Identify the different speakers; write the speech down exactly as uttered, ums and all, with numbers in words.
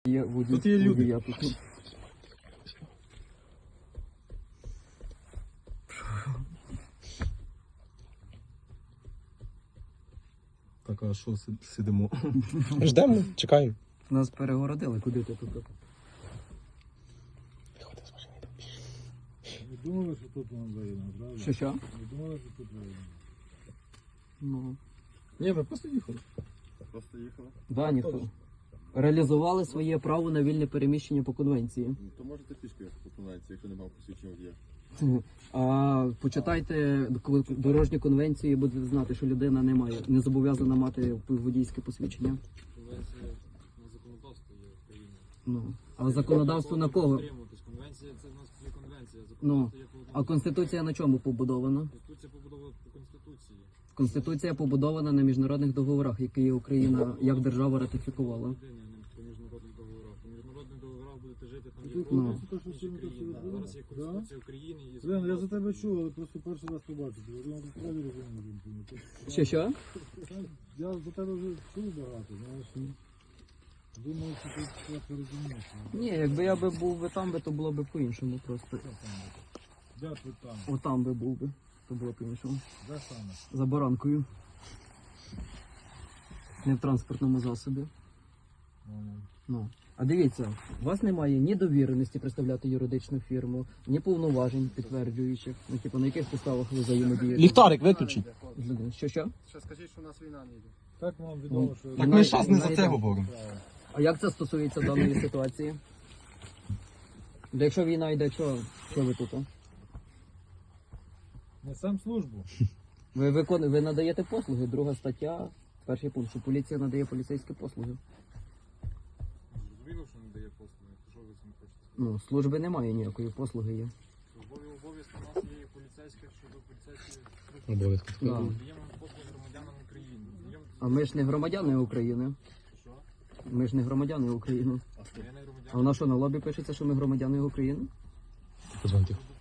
Speaker 1: Є водій,
Speaker 2: Тут є люди.
Speaker 1: водія тут.
Speaker 2: Так, а що си- сидимо?
Speaker 3: Ждемо, чекаємо.
Speaker 1: Нас перегородили, куди ти тут?
Speaker 4: Не думали, що тут вам заїдемо, правда?
Speaker 1: Що що?
Speaker 4: Не думали, що тут заїдемо.
Speaker 1: Ну,
Speaker 2: Ні, ми просто їхали.
Speaker 5: Просто їхали.
Speaker 1: да, ніхто. Реалізували своє право на вільне переміщення по конвенції.
Speaker 5: Ну, то можете пішки по конвенції, якщо немає посвідчення водія.
Speaker 1: А почитайте дорожні конвенції і будете знати, що людина не має, не зобов'язана мати водійське посвідчення.
Speaker 6: Конвенція на законодавство є в країні.
Speaker 1: Ну, а законодавство на кого?
Speaker 6: Дотримуватись. Конвенція це в нас є конвенція.
Speaker 1: Ну,
Speaker 6: Законодавство є по
Speaker 1: а конституція на чому побудована?
Speaker 6: Конституція побудована по Конституції.
Speaker 1: Конституція побудована на міжнародних договорах, які Україна як держава ратифікувала.
Speaker 6: Людині, а не по міжнародних договорах. По міжнародних договорах будете жити там є
Speaker 1: Ну.
Speaker 6: повністю
Speaker 4: Це те, що всі ми тут
Speaker 6: країна.
Speaker 4: сидимо?
Speaker 6: Зараз є Конституція України і
Speaker 4: Блин, я за
Speaker 6: законодавство.
Speaker 4: тебе чув, але просто перший раз побачив. Я думав, ти справді розумієш.
Speaker 1: Що що?
Speaker 4: Я за тебе вже чув багато, знаєш. Думав, що ти трохи розумієш.
Speaker 1: Ні, якби я би був би там, би, то було б по-іншому просто.
Speaker 4: Де ти там?
Speaker 1: Отам би був би, то було по-іншому.
Speaker 4: Де саме?
Speaker 1: За баранкою. Не в транспортному засобі. Ну. А дивіться, у вас немає ні довіреності представляти юридичну фірму, ні повноважень підтверджуючих. Ну, типу, на яких підставах ви взаємодієте?
Speaker 3: Ліхтарик виключіть.
Speaker 1: з людьми? Що що?
Speaker 5: Ще скажіть, що у нас війна не йде.
Speaker 4: Так вам відомо, що...
Speaker 3: Так ми зараз не за це говоримо.
Speaker 1: А як це стосується даної ситуації? Де якщо війна йде, що, що ви тут? а?
Speaker 4: Не сам службу.
Speaker 1: Ви, викон... ви надаєте послуги, друга стаття, перший пункт, що поліція надає поліцейські послуги.
Speaker 6: Зрозуміло, що не дає послуги. То що ви цим хочете?
Speaker 1: Ну, служби немає ніякої, послуги є.
Speaker 6: Службові обов'язки у нас є і поліцейських щодо поліцейських.
Speaker 3: Обов'язки.
Speaker 1: Да.
Speaker 6: Даємо послуги громадянам України. Даємо-
Speaker 1: А ми ж не громадяни України.
Speaker 6: Що?
Speaker 1: Ми ж не громадяни України.
Speaker 6: Я не громадянин.
Speaker 1: А вона що, на лобі пишеться, що ми громадяни України?
Speaker 3: Позвоньте.